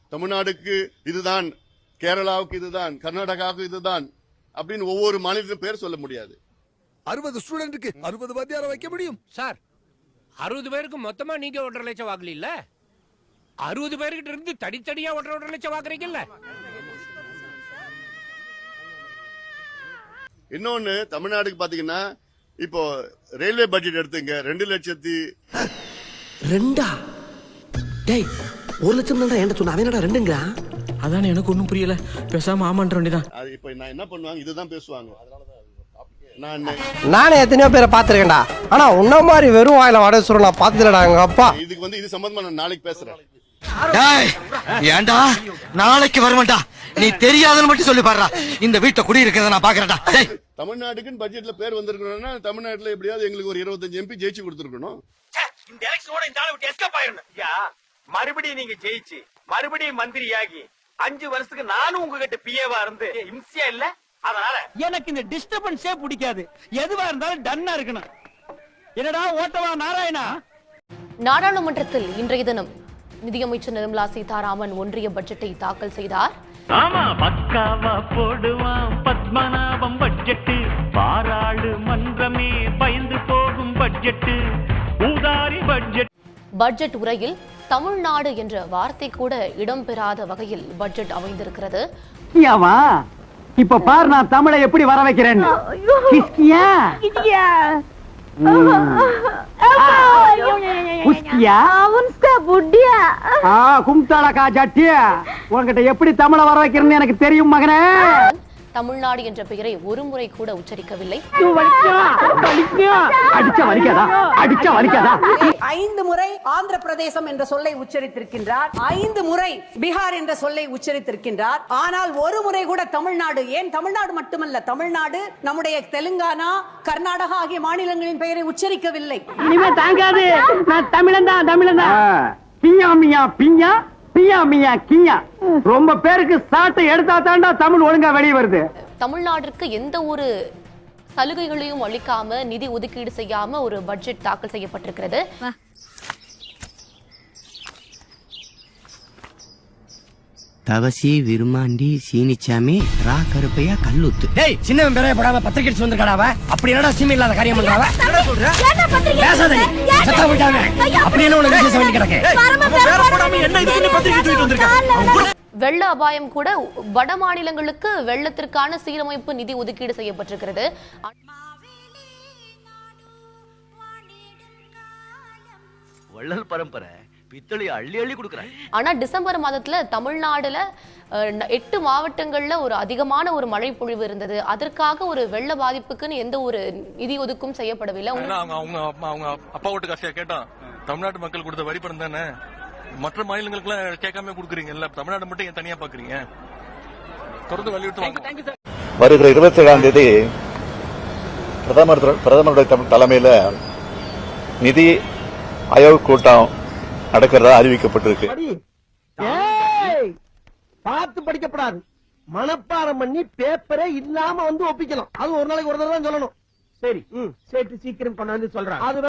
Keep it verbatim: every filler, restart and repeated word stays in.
தமிழ்நாடுக்கு இதுதான், கேரளாவுக்கு இதுதான், கர்நாடகாவுக்கு இதுதான் அப்படின்னு ஒவ்வொரு மாநிலத்திலும் பேர் சொல்ல முடியாது. அறுபது ஸ்டூடெண்ட்டுக்கு அறுபது வாத்தியாரை வைக்க முடியும் சார். அறுபது பேருக்கு மொத்தமா நீங்க ஒன்றரை லட்சம் வாங்கல, அறுபது பேருக்கிட்ட இருந்து தனித்தனியா ஒன்றரை ஒன்றரை லட்சம் வாங்குறீங்கல்ல. இன்னொன்னு தமிழ்நாடுக்கு பாத்தீங்கன்னா இப்போ ரயில்வே பட்ஜெட் எடுத்துங்க, ரெண்டு லட்சத்தி ரெண்டா டேய் ஒரு லட்சம் தான் என்ன சொன்ன, அவன் ரெண்டுங்க. அதானே எனக்கு ஒன்றும் புரியல, பேசாம ஆமான்ற வேண்டியதான். அது இப்போ நான் என்ன பண்ணுவாங்க, இதுதான் பேசுவாங்க. நான் நானே எத்தனையோ பேரை பாத்துருக்கேன்டா, ஆனா உன்ன மாதிரி வெறும் வாயில வடை சுருள் நான் பாத்துலடா. எங்க அப்பா இதுக்கு வந்து இது சம்பந்தமா நான் நாளைக்கு பேசுறேன். ஏண்டா நாளைக்கு வருவேன்டா, நீ தெரியாதுன்னு மட்டும் சொல்லி பாடுறா. இந்த வீட்டை குடி இருக்கிறத நான் பாக்குறேன்டா. தமிழ்நாட்டுக்குன்னு பட்ஜெட்ல பேர் வந்திருக்கணும்னா தமிழ்நாட்டுல எப்படியாவது எங்களுக்கு ஒரு இருபத்தஞ்சு எம்பி ஜெயிச்சு கொடுத்துருக்கணும். இந்த எலெக்ஷனோட இந்த ஆளை விட்டு எஸ்கேப் ஆயிரணும். மறுபடியும் நீங்க ஜெயிச்சு மறுபடியும் மந்திரியாகி அஞ்சு வருஷத்துக்கு நானும் உங்ககிட்ட பிஏவா இருந்து இம்சியா இல்ல. அதனால எனக்கு இந்த டிஸ்டர்பன்ஸே பிடிக்காது. எதுவா இருந்தாலும் டன்னா இருக்கணும். என்னடா ஓட்டவா நாராயணா. நாடாளுமன்றத்தில் இன்றைய தினம் நிதியமைச்சர் நிர்மலா சீதாராமன் ஒன்றிய பட்ஜெட்டை தாக்கல் செய்தார். ஆமா, பக்காவா போடுவான் பத்மநாபம் பட்ஜெட், பாராளுமன்றமே பயந்து போகும் பட்ஜெட், ஊதாரி பட்ஜெட். பட்ஜெட் உரையில் தமிழ்நாடு என்ற வார்த்தை கூட இடம்பெறாத வகையில் பட்ஜெட் அமைந்திருக்கிறது. இப்ப பாரு நான் தமிழை எப்படி வர வைக்கிறேன். உங்ககிட்ட எப்படி தமிழை வர வைக்கிறேன்னு எனக்கு தெரியும் மகனே. தமிழ்நாடு என்ற பெயரை ஒரு முறை கூட உச்சரிக்கவில்லை. ஐந்து முறை ஆந்திர பிரதேசம் என்ற சொல்லை உச்சரித்திருக்கின்றார், ஐந்து முறை பீகார் என்ற சொல்லை உச்சரித்திருக்கின்றார். ஆனால் ஒரு முறை கூட தமிழ்நாடு, ஏன் தமிழ்நாடு மட்டுமல்ல, தமிழ்நாடு நம்முடைய தெலுங்கானா, கர்நாடகா ஆகிய மாநிலங்களின் பெயரை உச்சரிக்கவில்லை. இனிமே தாங்காது, நான் தமிழன் தான் தமிழன் தான். பியா மியா பியா பியா மியா கியா. ரொம்ப பேருக்கு சாட்டை எடுத்தா தாண்டா தமிழ் ஒழுங்கா வெளியே வருது. தமிழ்நாட்டிற்கு எந்த ஒரு சலுகைகளையும் அளிக்காம, நிதி ஒதுக்கீடு செய்யாம ஒரு பட்ஜெட் தாக்கல் செய்யப்பட்டிருக்கிறது. தவசி விருமாண்டி சீனிச்சாமி ரா கருப்பையா கல்லுத்து. டேய் சின்னவன் பேரே போடாம பத்திரிக்கை வந்திருக்காடாவ. அப்படி என்னடா சீமை இல்லாத காரியம் பண்றாவ? என்ன சொல்ற? பேசாத நீ. சத்தா விட்டாங்க. அப்படி என்ன உனக்கு விசேஷம் வேண்டி கிடக்கு? பேர போடாம என்ன இதுக்கு பத்திரிக்கை தூக்கிட்டு வந்திருக்க? வெள்ள அபாயம் கூட வட மாநிலங்களுக்கு வெள்ளத்திற்கான சீரமைப்பு நிதி ஒதுக்கீடு செய்யப்பட்டிருக்கிறது. வள்ளல் பரம்பரை பித்தளை அள்ளி அள்ளி கொடுக்குறாங்க. ஆனா டிசம்பர் மாதத்துல தமிழ்நாடுல எட்டு மாவட்டங்கள்ல ஒரு அதிகமான ஒரு மழை பொழிவு இருந்தது. அதற்காக ஒரு வெள்ள பாதிப்புக்குன்னு எந்த ஒரு நிதி ஒதுக்கும் செய்யப்படவில்லை. அவங்க அப்பா ஓட்டு காசியா கேட்டா தமிழ்நாட்டு மக்கள் கொடுத்த வரி பணம் தானே, மற்ற மாநிலங்களுக்கு எல்லாம் கேட்காம கொடுக்குறீங்கல்ல, தமிழ்நாடு மட்டும் ஏன் தனியா பாக்குறீங்க? தொடர்ந்து வலியுறுத்துவாங்க. வருகிற இருபத்தி ஏழாம் தேதி பிரதமர் பிரதமருடைய தலைமையில நிதி ஆயோக் கூட்டம் நடக்கிறதா அறிவிக்கப்பட்டிருக்கு. பார்த்து படிக்கப்படாது, மனப்பாடம் பண்ணி பேப்பரே இல்லாம வந்து ஒப்பிக்கலாம். அது ஒரு நாளைக்கு ஒரு தடவை தான் சொல்லணும். சரி, சீக்கிரம் கொண்டாந்து சொல்றேன்.